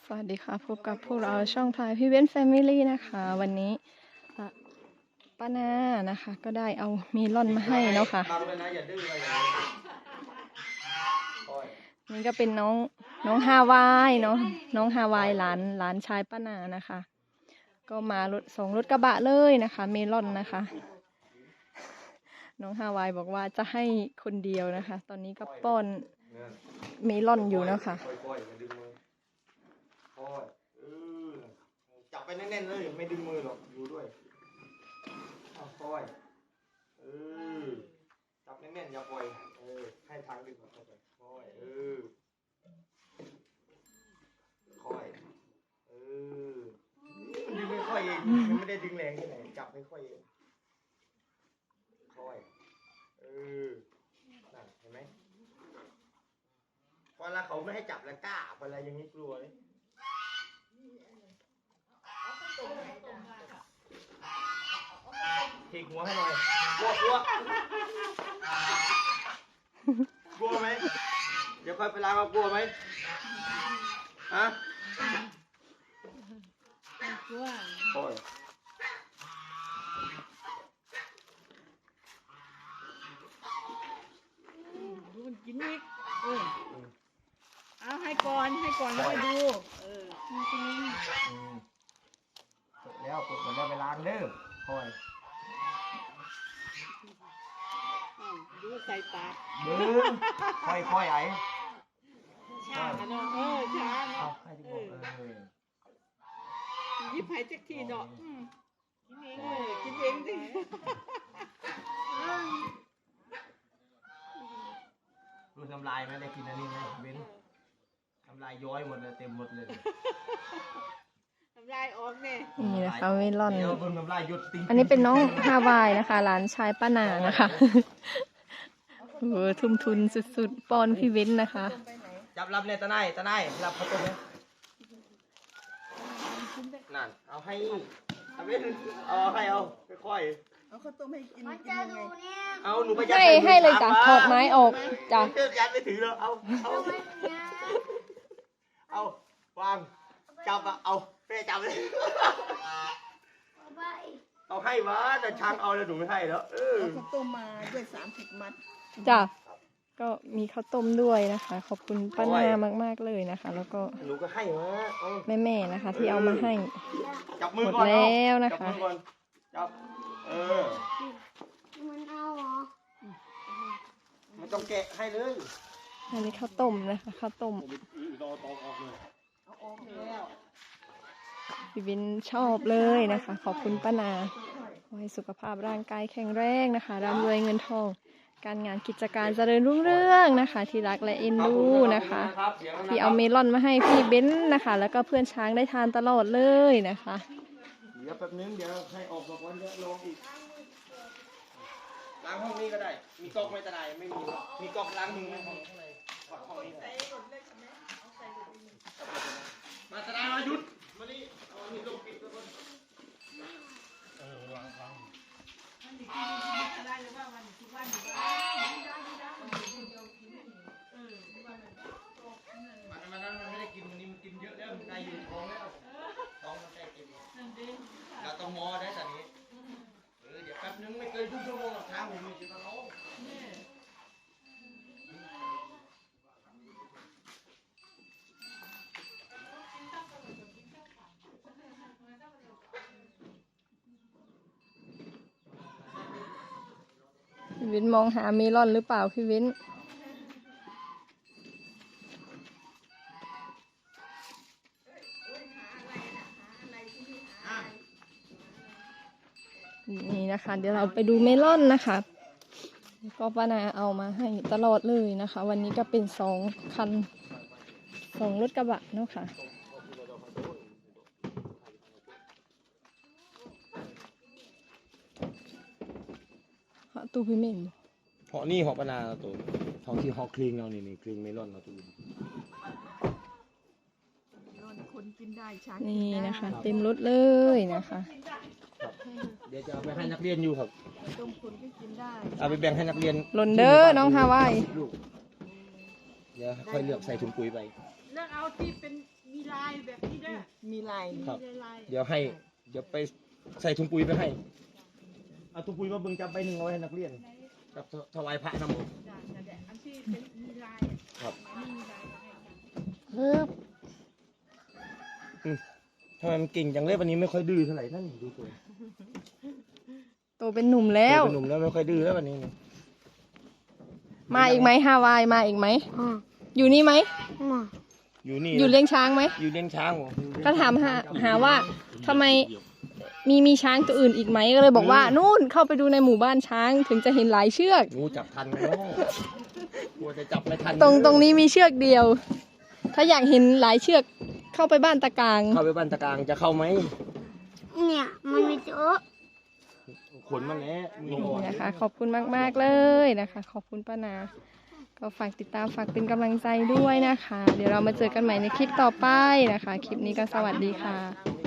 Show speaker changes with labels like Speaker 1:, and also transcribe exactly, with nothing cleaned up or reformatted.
Speaker 1: สวัสดีค่ะพบกับพวกเราช่องพลายพี่เว้นแฟมิลี่นะคะวันนี้ป้านานะคะก็ได้เอาเมลอนมาให้เนาะค่ะนี่ก็เป็นน้องน้องฮาวายเนาะน้องฮาวายหลานหลานชายป้านานะคะก็มารถส่งรถกระบะเลยนะคะเมลอนนะคะน้องฮาวายบอกว่าจะให้คนเดียวนะคะตอนนี้ก็ป้อนเมลอนอยู่เนาะค่ะ
Speaker 2: จับไปแน่นๆเลยไม่ดึงมือหรอกอยู่ด้วยค่อยเออจับแน่นๆอย่าปล่อยเออให้ทางดึงเข้าไปค่อยเออค่อยเออมันดึงไม่ค่อยเองมันไม่ได้ดึงแรงที่ไหนจับไม่ค่อยเองค่อยเออนั่นเห็นไหมพอละเขาไม่ให้จับแล้วกล้าพอละอย่างนี้กลัวเลยถีบหัวให้หน่อยกลัวกลัวกลัวไหมเดี๋ยวค่อยไปล้างเอากลัวไหมฮะกลัวโอ้ย
Speaker 3: ดูมันกินอีกเออเอาให้ก่อนให้ก่อนแล้วไปดูเออจริง
Speaker 2: เสร็จแล้วปวดมันได้ไปล้างเด้อค่อย
Speaker 3: ดูใส่ปาก
Speaker 2: เด้อค่อยค่อยไอ้
Speaker 3: ช้าเนาะเออช้าเนาะ
Speaker 2: ให้ที่บอกเออ
Speaker 3: ยิบให้จักทีเนาะกินเองกินเองสิ
Speaker 2: รู้ทำลายไหมได้กินอันนี้ไหมเบ้นทำลายย้อยหมดเลยเต็มหมดเลย
Speaker 3: ทำลายออกเนี่ย
Speaker 1: นี่นะคะเมลอนอันนี้
Speaker 2: นี้
Speaker 1: เป็นน้องฮาวายนะคะหลานชายป้านานะคะโอ้ทุ่มทุนสุดๆปอนพี่เว้นนะคะ
Speaker 2: จับรับเนี่ยตาไนตาไนรับข้าวต้มเนี่ยนั่นเอาให้เอาเว้นเอาให้เอาค่อย
Speaker 3: ๆเอาข้าวต้มให้กินกินยังไง
Speaker 2: เอาหนูไป
Speaker 1: ให้ให้เลยจ้ะถอดไม้ออกจ้ะ
Speaker 2: ยัดไปถือเลยเอาเอาเอาวางจับอะเอาเป้จับเลยเอาให้วะแต่ช้างเอาแล้วหนูไม่ให้แล้วเออ
Speaker 3: ข้าวต้มมาด้วยสามสิบมัด
Speaker 1: จ้ะก็มีข้าวต้มด้วยนะคะขอบคุณป้านามากๆเลยนะคะแล้วก็
Speaker 2: หนูก็ให้วะ
Speaker 1: แม่ๆนะคะที่เอามาให้
Speaker 2: จับมือ
Speaker 1: หมด
Speaker 2: ก่อน
Speaker 1: แล้วนะคะ
Speaker 2: จับเออ
Speaker 4: มันเอาเหรอ
Speaker 2: มันต้องแกะให้เลย
Speaker 1: อันนี้ข้าวต้มนะคะข้าวต้มพี่วินชอบเลยนะคะขอบคุณป้านาขอให้สุขภาพร่างกายแข็งแรงนะคะร่ำรวยเงินทองการงานกิจการเจริญรุ่งเรืองนะคะที่รักและเอ็นดูนะคะที่เอาเมลอนมาให้พี่เบ้นนะคะแล้วก็เพื่อนช้างได้ทานตลอดเลยนะคะ
Speaker 2: เดี๋ยวแป๊บนึงเดี๋ยวให้ออกมาก่อนเดี๋ยวลงอีกล้างห้องนี้ก็ได้มีก๊อกไม่ตะไนไม่มีมีก๊อกล้างมือในห้องข้างในห้องนี้มาตะไนมาหยุดมานี่เอาอันนี้ลงปิดแล้วก่อนเออวางวางได้หรือเปล่าวันทุกวันมันนั้นมันไม่ได้กินวันนี้มันกินเยอะแล้วมันได้อยู่ท้องแล้วท้องมันได้กินเราต้องมอได้แต่นี้เออเดี๋ยวแป๊บนึงไม่เกินครึ่งชั่วโมงหรอกทางผมมีจิตตะล้อ
Speaker 1: พี่วินมองหาเมลอนหรือเปล่าพี่วินนี่นะคะเดี๋ยวเราไปดูเมลอนนะคะก็ป้านาเอามาให้ตลอดเลยนะคะวันนี้ก็เป็นสองคันสองรถกระบะเนาะค่ะตู้พี่เม่น
Speaker 2: เหาะนี่เหาะปนาตัวท้องที่เหาะคลิงเรานี่นี่คลิงเมลอนเราตัว
Speaker 3: คนกินได้ช้าง
Speaker 1: นี่นะคะเต็มรถเลยนะคะ
Speaker 2: เดี๋ยวจะเอาไปให้นักเรียนอยู่ครับ
Speaker 3: ต้มคนก็กินได้
Speaker 2: เอาไปแบ่งให้นักเรียน
Speaker 1: หล่นเด้อน้องฮาวาย
Speaker 2: เดี๋ยวค่อยเลือกใส่ถุงปุ๋ยไป
Speaker 3: เลือกเอาที่เป็นมีลายแบบมีลาย
Speaker 2: ครับ
Speaker 3: มีลาย
Speaker 2: เดี๋ยวให้ เดี๋ยวไปใส่ถุงปุ๋ยไปให้ เอาถุงปุ๋ยมาเบิ่งจับไปหนึ่งเอาไว้ให้นักเรียน กับถวายพระนำ
Speaker 3: จ้ะจ้ะแต่อันที่เป็นมีลายอะ
Speaker 2: ครับ
Speaker 3: ไม่มีลายก็ให้จ้ะ
Speaker 4: ฮึบ
Speaker 2: ทำไมมันเก่งจังเลยวันนี้ไม่ค่อยดื้อเท่าไหร่นั่นดูตัว
Speaker 1: โตเป็นหนุ่มแล้ว
Speaker 2: เป็นหนุ่มแล้วไม่ค่อยดื้อแล้ววันนี้นี่
Speaker 1: มาอีกไหมฮาวายมาอีกไหม
Speaker 4: อ่ะ
Speaker 1: อยู่นี่ไหม
Speaker 4: มา
Speaker 2: อยู่นี่
Speaker 1: อยู่เลี้ยงช้างไหม
Speaker 2: อยู่เลี้ยงช้างเหรอ
Speaker 1: ก็ถามหาหาว่าทำไมมีมีช้างตัวอื่นอีกไหมก็เลยบอกว่านู่นเข้าไปดูในหมู่บ้านช้างถึงจะเห็นหลายเชือก
Speaker 2: งูจับทันไหมเนาะกลัวจะจับไม่ทัน
Speaker 1: ตรงตรงนี้มีเชือกเดียว ถ้าอยากเห็นหลายเชือกเข้าไปบ้านตะกาง
Speaker 2: เข้าไปบ้านตะกลางจะเข้าไหม
Speaker 4: เนี่ยมันมีเยอะ
Speaker 2: ขนมันแหล้วมืออ่อน
Speaker 1: นะคะ ขอบคุณมาก ๆ เลยนะคะ ขอบคุณป้านา ก็ฝากติดตามฝากเป็นกำลังใจด้วยนะคะ เดี๋ยวเรามาเจอกันใหม่ในคลิปต่อไปนะคะ คลิปนี้ก็สวัสดีค่ะ